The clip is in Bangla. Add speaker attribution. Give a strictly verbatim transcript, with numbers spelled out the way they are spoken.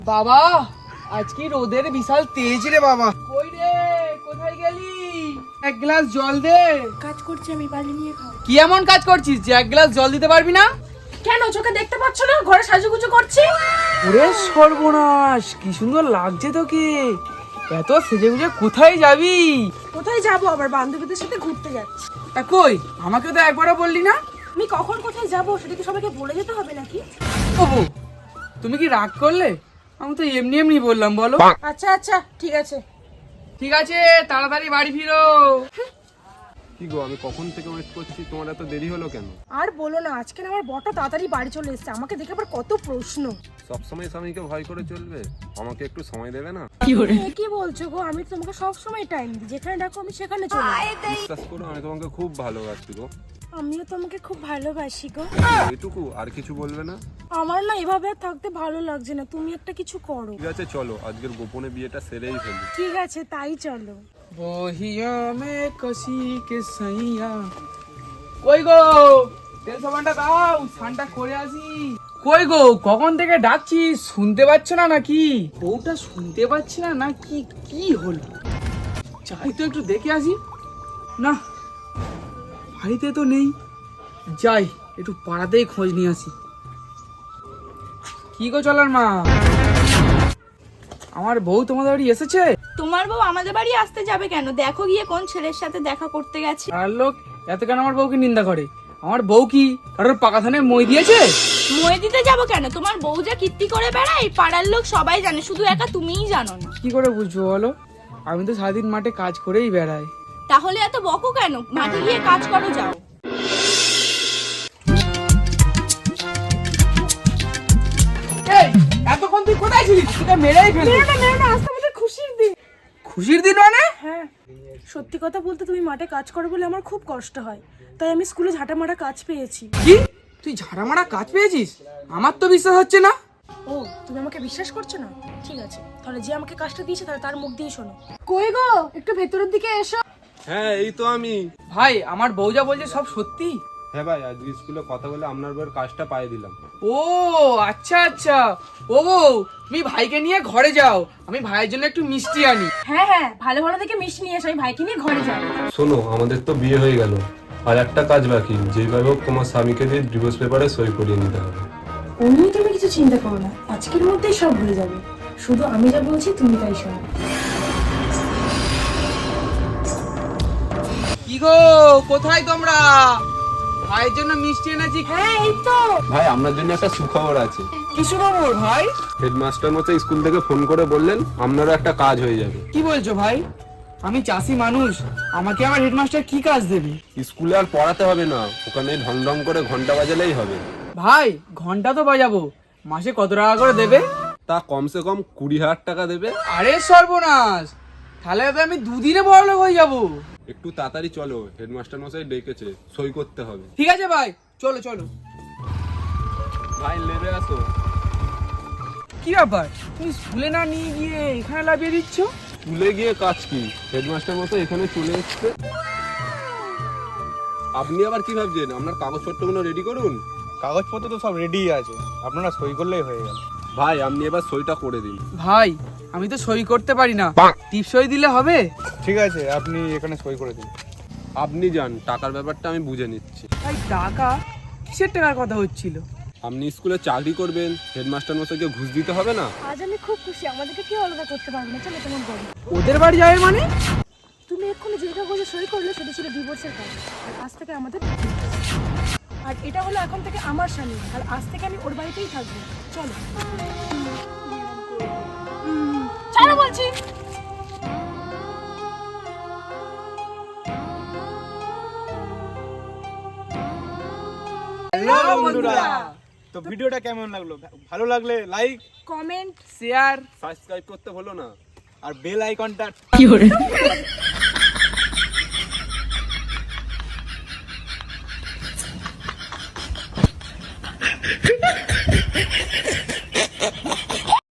Speaker 1: বাবা আজকে রোদের বিশাল তেজ রে বাবা। কই রে, কোথায় গেলি? এক গ্লাস জল দে।
Speaker 2: কাজ করছি আমি, বালি নিয়ে খাও।
Speaker 1: কি এমন কাজ করছিস যে এক গ্লাস জল দিতে পারবি না?
Speaker 2: কেন চোখে দেখতে পাচ্ছ না ঘরে সাজুগুজু করছি?
Speaker 1: ওরে সর্বনাশ, কি সুন্দর লাগছে তোকে। এত সেজে গুজে কোথায় যাবি?
Speaker 2: কোথায় যাব, আবার বান্ধবীদের সাথে ঘুরতে যাচ্ছি।
Speaker 1: এ কই, আমাকে তো একবারও বললি না।
Speaker 2: আমি কখন কোথায় যাব সেটা কি সবাইকে বলে যেতে হবে নাকি?
Speaker 1: ওবো, তুমি কি রাগ করলে? আমি তো এমনি এমনি বললাম, বলো।
Speaker 2: আচ্ছা আচ্ছা ঠিক আছে।
Speaker 1: ঠিক আছে, তাড়াতাড়ি বাড়ি ফিরো।
Speaker 3: কি গো, আমি কখন থেকে ওয়েট করছি, তোমার এত দেরি হলো কেন?
Speaker 2: আর বলো না, আজকে না আমার বড়টা তাড়াতাড়ি বাড়ি চলে এসেছে। আমাকে দেখে আবার কত প্রশ্ন।
Speaker 3: সবসময় স্বামীকে ভয় করে চলবে? আমাকে একটু সময় দেবে না?
Speaker 2: তুমি কি বলছো গো? আমি তো তোমাকে সব সময় টাইম দিই, যেখানে ডাকো আমি সেখানে চলে যাই।
Speaker 3: বিশ্বাস করো, আমি তোমাকে খুব ভালোবাসি গো।
Speaker 2: আমিও তোমাকে খুব ভালোবাসি গো।
Speaker 3: এটুকু, আর কিছু বলবে না?
Speaker 2: আমার না এভাবে আর থাকতে ভালো লাগছে না, তুমি একটা কিছু করো।
Speaker 3: ঠিক আছে চলো, আজকের গোপনে বিয়েটা সেরেই ফেলি।
Speaker 2: ঠিক আছে তাই চলো।
Speaker 1: বহিয়া মে কসি কে সাইয়া। কই গো, তেল সাবানটা দাও, স্নানটা করে আসি। কই গো, কখন থেকে ডাকছি, শুনতে পাচ্ছ না নাকি? বউটা শুনতে পাচ্ছি না নাকি? কি হলো? যাই তো একটু দেখে আসি। না, বাড়িতে তো নেই। যাই একটু পাড়াতেই খোঁজ নিয়ে আসি। কি গো চলার মা, আমার বউ তোমাদের বাড়ি এসেছে?
Speaker 4: তোমার বউ আমাদের বাড়ি আসতে যাবে কেন? দেখো গিয়ে কোন ছেলের সাথে দেখা করতে গেছে।
Speaker 1: আর লোক এত কেন আমার বউকে নিন্দা করে? আমার বউ কি কারোর পাকা ধানে মই দিয়েছে?
Speaker 4: মই দিতে যাবো কেন? তোমার বউ যা কীর্তি করে বেড়ায় পাড়ার লোক সবাই জানে, শুধু একা তুমিই জানো না।
Speaker 1: কি করে বুঝবো বলো? আমি তো সারাদিন মাঠে কাজ করেই বেড়াই।
Speaker 4: তাহলে এত বকো কেন? মাঠে গিয়ে কাজ করো, যাও।
Speaker 1: এই, এতক্ষণ তুই কোথায় ছিলিস? তোকে মেরেই ফেলবো।
Speaker 2: মেরো না মেরো না, আজকে আমাদের খুশির দিন।
Speaker 1: খুশির দিন মানে?
Speaker 2: হ্যাঁ, সত্যি কথা বলতে তুমি মাঠে কাজ করো বলে আমার খুব কষ্ট হয়, তাই আমি স্কুলে ঝাঁটা মারা কাজ পেয়েছি।
Speaker 1: কি, তুই ঝাড়া মারা কাজ পেয়েছিস? আমার তো বিশ্বাস হচ্ছে না।
Speaker 2: ও, তুমি আমাকে বিশ্বাস করছো না? ঠিক আছে, তাহলে যে আমাকে কাজটা দিয়েছে তাহলে তার মুখ দিয়ে শোনো। কই গো, একটু ভেতরের দিকে এসো।
Speaker 3: হ্যাঁ এই তো আমি।
Speaker 1: ভাই, আমার বউ যা বলছে সব সত্যি?
Speaker 3: হ্যাঁ ভাই, আজকে স্কুলে কথা বলে আপনার বউয়ের কাজটা পাইয়ে দিলাম।
Speaker 1: ও আচ্ছা আচ্ছা। ও বউ, তুমি ভাইকে নিয়ে ঘরে যাও, আমি ভাইয়ের জন্য একটু মিষ্টি আনি।
Speaker 2: হ্যাঁ হ্যাঁ, ভালো ভালো দেখে মিষ্টি নিয়ে এসো, আমি ভাইকে নিয়ে ঘরে যাবো।
Speaker 3: শোনো, আমাদের তো বিয়ে হয়ে গেল, আর একটা কাজ বাকি। যেভাবে হোক তোমার স্বামীকে দিয়ে ডিভোর্স পেপারে সই করিয়ে নিতে হবে।
Speaker 2: ও নিয়ে তুমি কিছু চিন্তা করো না, আজকের মধ্যেই সব হয়ে যাবে। শুধু আমি যা বলছি তুমি তাই শোনো।
Speaker 1: কি গো, কোথায় তোমরা? ভাইয়ের জন্য মিষ্টি এনেছি।
Speaker 2: হ্যাঁ এই তো।
Speaker 3: ভাই, আপনার জন্য একটা সুখবর আছে।
Speaker 1: কি খবর ভাই?
Speaker 3: হেডমাস্টার মশাই স্কুল থেকে ফোন করে বললেন আপনারও একটা কাজ হয়ে যাবে।
Speaker 1: কি বলছো ভাই? আমি চাষি মানুষ, আমাকে আমার হেডমাস্টার কি কাজ দেবে?
Speaker 3: স্কুলে আর পড়াতে হবে না, ওখানে ঢং ঢং করে ঘন্টা বাজালেই হবে।
Speaker 1: ভাই, ঘন্টা তো বাজাবো, মাসে কত টাকা করে দেবে?
Speaker 3: তা কমসে কম কুড়ি হাজার টাকা দেবে।
Speaker 1: আরে সর্বনাশ, তাহলে তো আমি দুদিনে বড়লোক হয়ে যাবো।
Speaker 3: একটু তাড়াতাড়ি চলো, হেডমাস্টার মশাই ডেকেছে, সই করতে হবে।
Speaker 1: ঠিক আছে ভাই, চলো চলো।
Speaker 3: ভাই লেবে আসো।
Speaker 1: কি ব্যাপার, তুমি স্কুলে না নিয়ে গিয়ে এখানে লাভিয়ে দিচ্ছ?
Speaker 3: স্কুলে গিয়ে কাজ কি, হেডমাস্টার মশাই এখানে চলে এসছে। আপনি আবার কি ভাবছেন? আপনার কাগজপত্রগুলো রেডি করুন।
Speaker 5: কাগজপত্র তো সব রেডি আছে, আপনারা সই করলেই হয়ে গেল।
Speaker 3: ভাই, আপনি এবার সইটা করে দিন।
Speaker 1: ভাই, আমি তো সই করতে পারি না, টিপ সই দিলে হবে?
Speaker 5: ঠিক আছে, আপনি এখানে সই করে দিন।
Speaker 3: আপনি যান, টাকার ব্যাপারটা আমি বুঝে নিচ্ছি।
Speaker 1: ভাই টাকা? কিসের টাকার কথা হচ্ছিল?
Speaker 3: আপনি স্কুলে চাকরি করবেন, হেডমাস্টার মশাইকে ঘুষ দিতে হবে না?
Speaker 2: আজ আমি খুব খুশি, আমাদেরকে কেউ আলাদা করতে পারবে না। চলো তোমার বলি,
Speaker 1: ওদের বাড়ি যাবে মানে?
Speaker 2: তুমি এক্ষুনি যে কাগজে সই করলে সেটা ছিল ডিভোর্সের কাজ, আর আজ থেকে আমাদের divorce। আর এটা হলো এখন থেকে আমার স্বামী, আর আজ থেকে আমি ওর বাড়িতেই থাকবো। চলো হুম, চলো বলছি।
Speaker 1: হ্যালো বন্ধুরা,
Speaker 5: তো ভিডিওটা কেমন লাগলো? ভালো লাগলে লাইক,
Speaker 2: কমেন্ট,
Speaker 1: শেয়ার,
Speaker 3: সাবস্ক্রাইব করতে ভুলো না।
Speaker 5: আর বেল আইকনটা
Speaker 1: কি করে